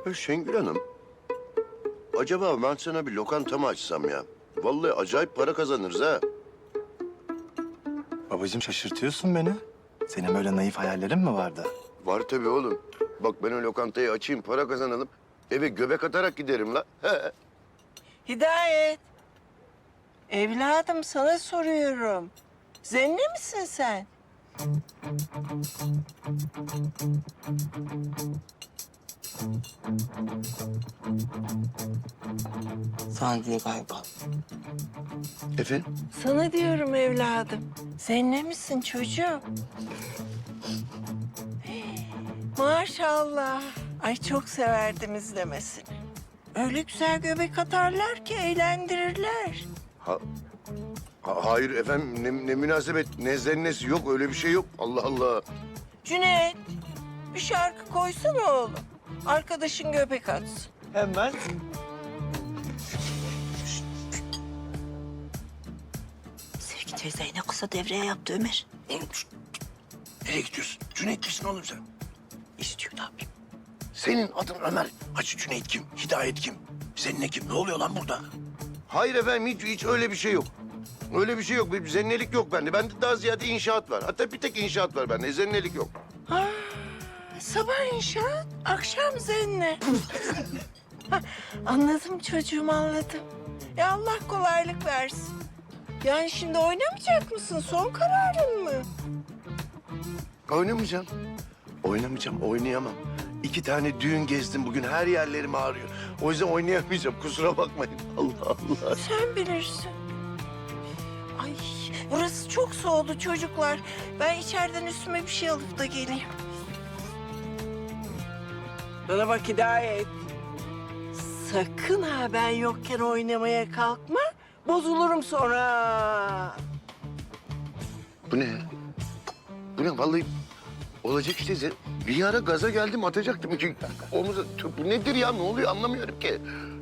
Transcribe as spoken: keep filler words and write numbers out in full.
Ya Şengül Hanım, acaba ben sana bir lokanta mı açsam ya? Vallahi acayip para kazanırız ha. Babacığım şaşırtıyorsun beni. Senin böyle naif hayallerin mi vardı? Var tabii oğlum. Bak ben o lokantayı açayım, para kazanalım. Eve göbek atarak giderim la. He. Hidayet. Evladım sana soruyorum. Zenne misin sen? Sana değil galiba. Efendim? Sana diyorum evladım. Zenne misin çocuğum? Maşallah. Ay çok severdim izlemesini. Öyle güzel göbek atarlar ki eğlendirirler. Ha, ha- hayır efendim, ne, ne münasebet, ne zennesi yok, öyle bir şey yok. Allah Allah. Cüneyt, bir şarkı koysana oğlum. Arkadaşın göbek atsın. Hemen. Sevgi teyzeyi ne kısa devreye yaptı Ömer. Oğlum şşt, nereye gidiyorsun? Cüneyt misin oğlum sen? İstiyor ne yapayım? Senin adın Ömer. Hacı Cüneyt kim? Hidayet kim? Senin ne kim? Ne oluyor lan burada? Hayır efendim, hiç, hiç öyle bir şey yok. Öyle bir şey yok. Bir zennelik yok bende. Bende daha ziyade inşaat var. Hatta bir tek inşaat var bende. Zennelik yok. Ha, sabah inşaat, akşam zenne. Ha, anladım çocuğum, anladım. Ya Allah kolaylık versin. Yani şimdi oynamayacak mısın? Son kararın mı? Oynamayacağım. Oynamayacağım, oynayamam. İki tane düğün gezdim bugün. Her yerlerim ağrıyor. O yüzden oynayamayacağım. Kusura bakmayın. Allah Allah. Sen bilirsin. Ay, burası çok soğudu çocuklar. Ben içeriden üstüme bir şey alıp da geleyim. Bana bak Hidayet. Sakın ha ben yokken oynamaya kalkma. Bozulurum sonra. Bu ne? Bu ne? Vallahi olacak işte. Ze- Bir ara gaza geldim, atacaktım. İki omuza. Bu nedir ya? Ne oluyor? Anlamıyorum ki.